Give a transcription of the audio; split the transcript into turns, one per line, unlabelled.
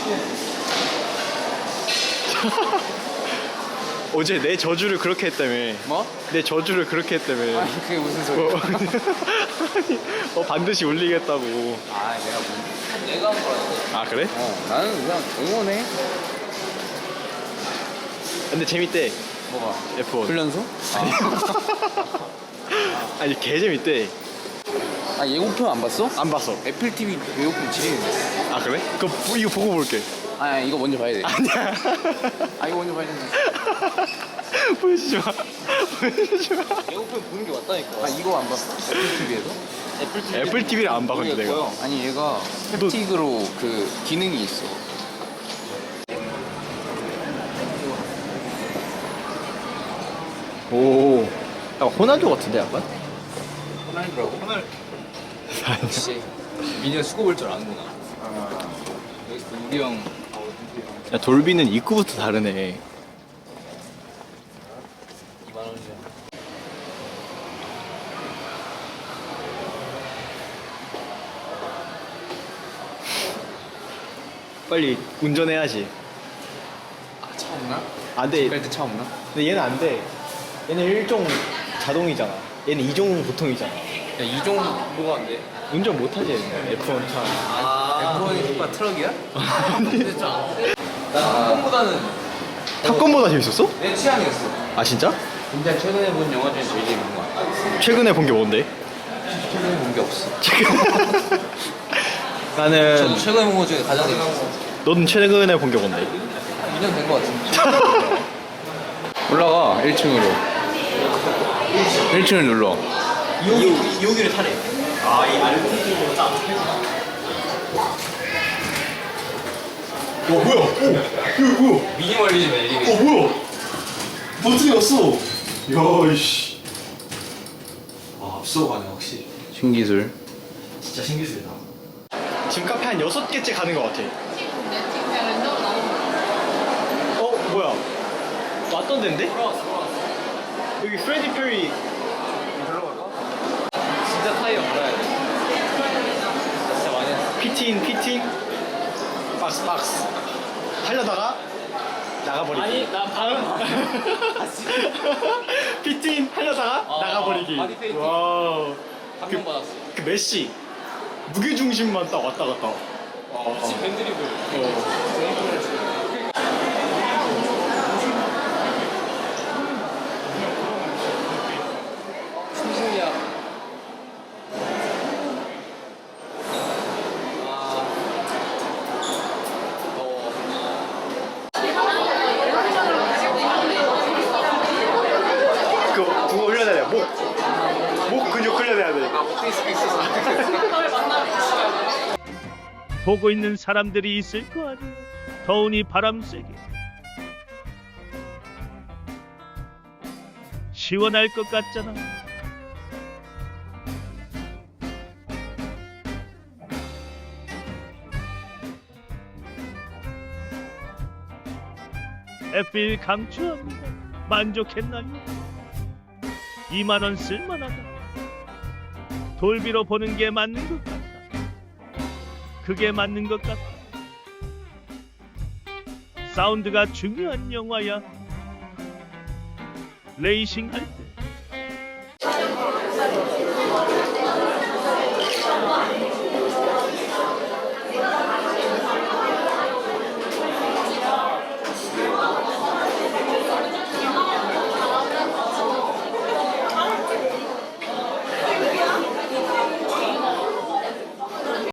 어제 내 저주를 그렇게 했다며.
뭐?
내 저주를 그렇게 했다며.
아니 그게 무슨 소리야?
반드시 울리겠다고.
아 내가 한 거야.
아 그래?
나는 그냥 응원해.
근데 재밌대.
뭐가?
F1.
훈련소?
아니 개 재밌대.
아 예고편 안 봤어?
안 봤어.
애플 TV 예고편 지리는데.
아 그래? 이거 보고 볼게.
아 이거 먼저 봐야 돼.
아니야.
아 이거 먼저 봐야 된다.
보여주지 마. 보여주지 마.
예고편 보는 게 맞다니까. 아 이거 안 봤어? 애플 TV에서?
애플 TV를 안 봐 근데 내가.
아니 얘가 햅틱으로 그 기능이 있어.
오. 약간 호날두 같은데 약간?
호날두라고? 호날두. 역시 미니언 수고 볼 줄 아는구나. 여기 우리 형.
야 돌비는 입구부터 다르네.
2만 원이야.
빨리 운전해야지.
아차 없나?
안 돼.
갈때 차 없나?
근데 얘는 안 돼. 얘는 1종 자동이잖아. 얘는 2종 보통이잖아.
야 이종 뭐가 안 돼?
운전 못하지 얘는. F1 차.
F1이 오빠 트럭이야? 근데 나 탑건보다는
탑건보다 재밌었어?
내 취향이었어.
아 진짜?
진짜 최근에 본 영화 중에 제일 재밌는 거 같아.
최근에 본 게 뭔데?
최근에 본 게 없어.
나는
저도 최근에 본 거 중에 가장 재밌었어.
넌 최근에 본 게 뭔데?
2년 된 거 같은데. 올라가 1층으로. 1층을 눌러.
2호기를 타래. 아이 알고리즘으로 딱. 뭐야? 이거 뭐야?
미니멀리즘 엘리베이터.
뭐야? 버튼이 없어. 야 이씨. 아 앞서가네 확실히.
신기술.
진짜 신기술이다. 지금 카페 한 6개째 가는 것 같아. 뭐야? 왔던 데인데? 여기 프레디 페리.
진짜 타이어 몰아야 돼. 진짜 많이 했어.
피팅 박스 하려다가 나가버리기.
아니, 나 방금
피팅 하려다가 나가버리기.
바디 페인팅.
와우.
감명 받았어.
그 메시 무게중심만 딱 왔다 갔다.
혹시 밴드리블. 충신이야.
그거 흘려내야 돼. 목 근육 흘려내야 돼.
페이스북 있어서.
보고 있는 사람들이 있을 거 아니야. 더우니 바람 세게. 시원할 것 같잖아. F1 강추합니다. 만족했나요? 2만 원 쓸만하다. 돌비로 보는 게 맞는 것 같다. 그게 맞는 것 같다. 사운드가 중요한 영화야. 레이싱 할